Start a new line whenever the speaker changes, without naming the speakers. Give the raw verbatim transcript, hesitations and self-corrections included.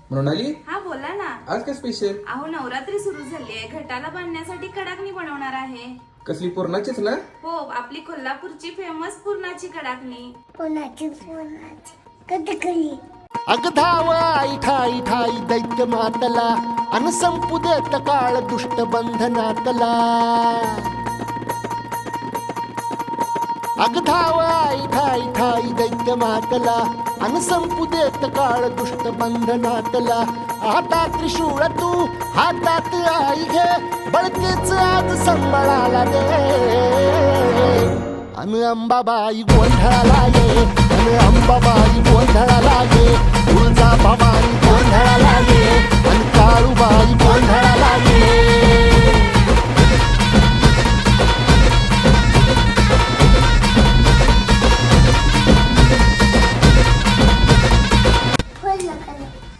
मृणाली,
हा बोला ना.
आज काय स्पेशल?
अहो नवरात्री सुरू झाली आहे, घटाला बांधण्यासाठी कडाकणी बनवणार आहे.
कसली पूर्णाचीच ना?
हो, आपली कोल्हापूरची फेमस पुरणाची कडाकणी.
पुरणाची पुरणाची कधकली
अग धाव आई ठाई ठाई दैत्य मातला अन संपू देत काळ दुष्ट बंधनातला. अग धाव आई ठाई ठाई दैत्य मातला अन संपू देत काळ दुष्ट बंधनातला. हातात त्रिशूळ तू हातात आई घे, बळकेच आज संबळाला दे. अन अंबाबाई गोंधळाला ये, अन अंबाबाई गोंधळाला ये. तुळजा बाबा